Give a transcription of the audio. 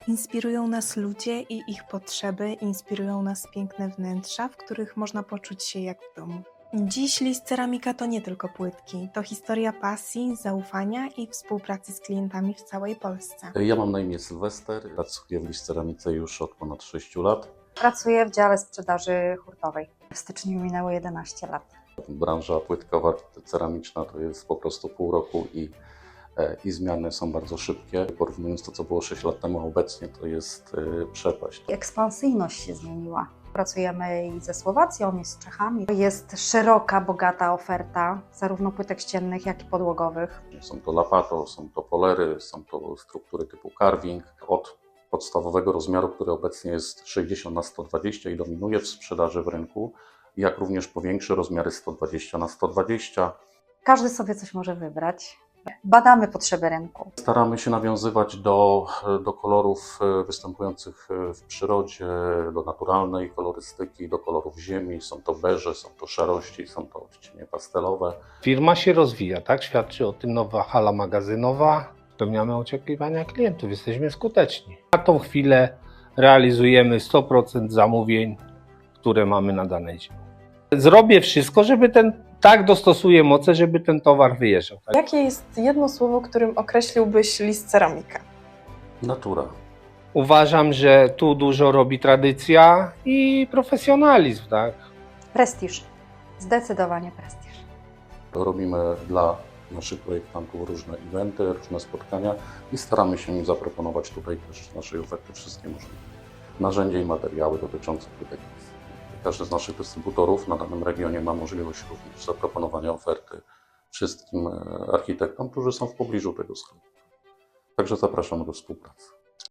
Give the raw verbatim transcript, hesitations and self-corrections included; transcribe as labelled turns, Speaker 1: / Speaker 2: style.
Speaker 1: Inspirują nas ludzie i ich potrzeby, inspirują nas piękne wnętrza, w których można poczuć się jak w domu. Dziś List Ceramika to nie tylko płytki, to historia pasji, zaufania i współpracy z klientami w całej Polsce.
Speaker 2: Ja mam na imię Sylwester, pracuję w List Ceramice już od ponad sześciu lat.
Speaker 3: Pracuję w dziale sprzedaży hurtowej. W styczniu minęło jedenaście lat.
Speaker 2: Branża płytkowa, ceramiczna to jest po prostu pół roku i, i zmiany są bardzo szybkie. Porównując to, co było sześć lat temu, a obecnie to jest przepaść.
Speaker 3: Ekspansyjność się zmieniła. Pracujemy i ze Słowacją, i z Czechami. Jest szeroka, bogata oferta zarówno płytek ściennych, jak i podłogowych.
Speaker 2: Są to lapato, są to polery, są to struktury typu carving. Od podstawowego rozmiaru, który obecnie jest sześćdziesiąt na sto dwadzieścia i dominuje w sprzedaży w rynku, jak również po większe rozmiary sto dwadzieścia na sto dwadzieścia.
Speaker 3: Każdy sobie coś może wybrać. Badamy potrzeby rynku.
Speaker 2: Staramy się nawiązywać do, do kolorów występujących w przyrodzie, do naturalnej kolorystyki, do kolorów ziemi. Są to beże, są to szarości, są to odcienie pastelowe.
Speaker 4: Firma się rozwija, tak? Świadczy o tym nowa hala magazynowa. Spełniamy oczekiwania klientów, jesteśmy skuteczni. Na tą chwilę realizujemy sto procent zamówień, które mamy na danej działce. Zrobię wszystko, żeby ten, tak dostosuję moce, żeby ten towar wyjeżdżał. Tak?
Speaker 5: Jakie jest jedno słowo, którym określiłbyś List Ceramika?
Speaker 2: Natura.
Speaker 4: Uważam, że tu dużo robi tradycja i profesjonalizm, tak?
Speaker 3: Prestiż. Zdecydowanie prestiż.
Speaker 2: Robimy dla naszych projektantów różne eventy, różne spotkania i staramy się im zaproponować tutaj też z naszej oferty wszystkie możliwe narzędzia i materiały dotyczące płytek. Każdy z naszych dystrybutorów na danym regionie ma możliwość również zaproponowania oferty wszystkim architektom, którzy są w pobliżu tego sklepu. Także zapraszamy do współpracy.